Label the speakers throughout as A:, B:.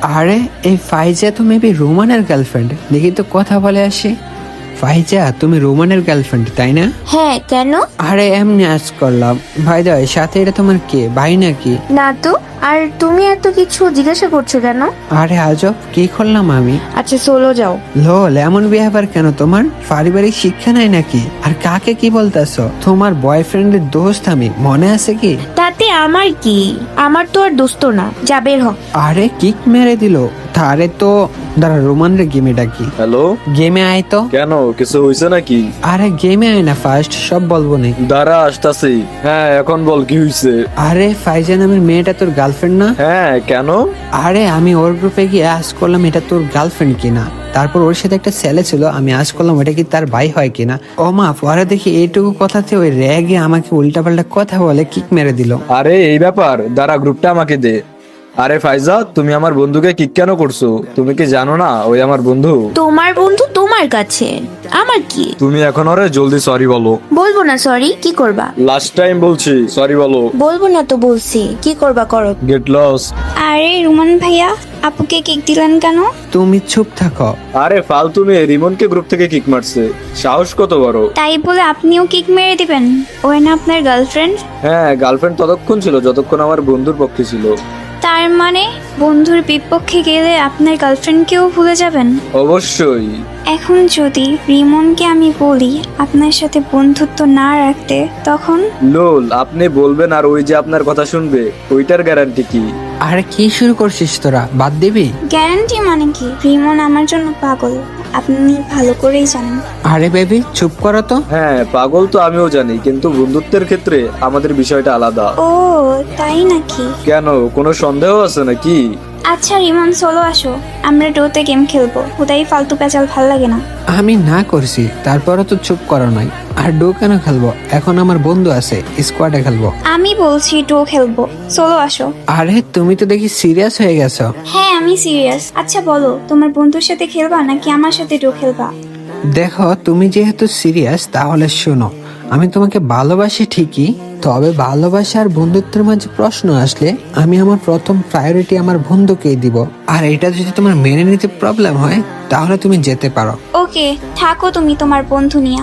A: আরে এই ফাইজা তো মেবি রোমানের গার্লফ্রেন্ড, দেখি তো কথা বলে আসি। ফাইজা, তুমি রোমানের গার্লফ্রেন্ড তাই না?
B: হ্যাঁ, কেন?
A: আরে এমনি আজ করলাম। ভাই দা, সাথে এটা তোমার কে, ভাই নাকি?
B: না তো। আর তুমি এত কিছু জিজ্ঞাসা করছো কেন?
A: আরে আজব, কি করলাম আমি?
B: আচ্ছা চলো যাও।
A: লোল, এমন বিহেভিয়ার কেন তোমার? পারিবারিক শিক্ষা নাই নাকি? আর কাকে কি বলতেছো? তোমার বয়ফ্রেন্ডের দোস্ত আমি, মনে আছে কি?
B: তাতে আমার কি? আমার তো আর দোস্ত না, যা বের হ।
A: আরে কিক মেরে দিল। তারে তো দাঁড়া, রোমানের গেমে ডাকি।
C: হ্যালো,
A: গেমে আয় তো।
C: কেন কিছু হয়েছে নাকি?
A: আরে গেমে আয় না, ফার্স্ট সব বলবো নে।
C: দাঁড়া আসতাছি। হ্যাঁ এখন বল কি হয়েছে?
A: আরে ফাইজা নামের মেয়েটা তোর গার্লফ্রেন্ড না?
C: হ্যাঁ কেন?
A: আরে আমি ওর গ্রুপে গিয়ে আজ করলাম এটা তোর গার্লফ্রেন্ড কিনা। তারপর ওর সাথে একটা ছেলে ছিল, আমি আজ করলাম ওটা কি তার ভাই হয় কিনা। ও মা, পরে দেখি এইটুকু কথাতে ওই রেগে আমাকে উল্টাপাল্টা কথা বলে কিক মেরে দিল।
C: আরে এই ব্যাপার, দাঁড়া গ্রুপটা আমাকে দে। আরে ফাইজা, তুমি আমার বন্ধুকে কিক কেন করছো? তুমি কি জানো না ওই আমার বন্ধু?
B: তোমার বন্ধু তোমার কাছে, আমার কি?
C: তুমি এখন ওরে জলদি সরি বলো।
B: বলবো না সরি, কি করবা?
C: লাস্ট টাইম বলছি সরি বলো।
B: বলবো না তো বলছি, কি করবা করো।
C: Get lost.
D: আরে রুমান ভাইয়া, আপুকে কেক দিলেন কেন?
A: তুমি চুপ থাকো।
C: আরে ফালতু মেয়ে রিমনকে গ্রুপ থেকে কিক মারছে, সাহস কত বড়!
D: তাই বলে আপনিও কেক মেরে দিবেন? ওই না আপনার গার্লফ্রেন্ড?
C: হ্যাঁ, গার্লফ্রেন্ড ততক্ষণ ছিল যতক্ষণ আমার বন্ধুর পক্ষে ছিল।
D: তার মানে বন্ধুর বিপক্ষে গেলে আপনার গার্লফ্রেন্ডকেও ভুলে যাবেন?
C: অবশ্যই।
D: এখন যদি রিমনকে আমি বলি আপনার সাথে বন্ধুত্ব না রাখতে, তখন?
C: লোল, আপনি বলবেন আর ওই যে আপনার কথা শুনবে, ওইটার গ্যারান্টি কি?
A: আরে কি শুরু করছিস তোরা, বাদ দিবি?
D: গ্যারান্টি মানে কি? রিমন আমার জন্য পাগল, আপনি ভালো করেই জানেন।
A: আরে বেবি চুপ করো তো।
C: হ্যাঁ পাগল তো আমিও জানি, কিন্তু বন্ধুত্বের ক্ষেত্রে আমাদের বিষয়টা আলাদা।
D: ও তাই নাকি?
C: কেন, কোনো সন্দেহ আছে নাকি?
D: আচ্ছা রিমন, চলো আসো, আমরা ডোতে গেম খেলবো। হুদাই ফালতু পেঁচাল ভাল লাগে না।
A: আমি না করছি, তারপরও তো চুপ করো নাই। আর ডো কেন খেলবো? এখন আমার বন্ধু আছে, স্কোয়াডে খেলবো।
D: আমি বলছি ডো খেলবো, চলো আসো।
A: আরে তুমি তো দেখি সিরিয়াস হয়ে গেছো।
D: হ্যাঁ আমি সিরিয়াস। আচ্ছা বলো, তোমার বন্ধুর সাথে খেলবা নাকি আমার সাথে ডো খেলবা?
A: দেখো, তুমি যেহেতু সিরিয়াস তাহলে শোনো, আমি তোমাকে ভালোবাসি ঠিকই, তবে ভালোবাসা আর বন্ধুত্বের মাঝে প্রশ্ন আসলে আমি আমার প্রথম প্রায়োরিটি আমার বন্ধুকেই দিব। আর এটা যদি তোমার মেনে নিতে প্রবলেম হয় তাহলে তুমি যেতে পারো।
D: ওকে, থাকো তুমি তোমার বন্ধু নিয়া।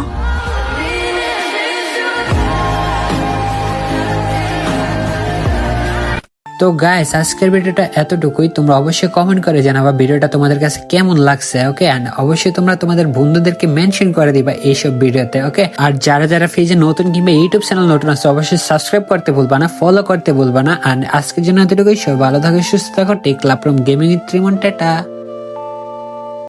A: তো গাইস, আজকের ভিডিওটা এতটুকুই। তোমরা অবশ্যই কমেন্ট করে জানাবা ভিডিওটা তোমাদের কাছে কেমন লাগছে। ওকে, এন্ড অবশ্যই তোমরা তোমাদের বন্ধুদেরকে মেনশন করে দিবা এইসব ভিডিওতে। ওকে, আর যারা যারা পেজে নতুন কিংবা ইউটিউব চ্যানেল নতুন আছে অবশ্যই সাবস্ক্রাইব করতে ভুলবা না, ফলো করতে ভুলবা না। আর আজকের জন্য এতটুকুই। সবাই ভালো থাকো, সুস্থ থাকো। Take love from gaming with Rimon, tata.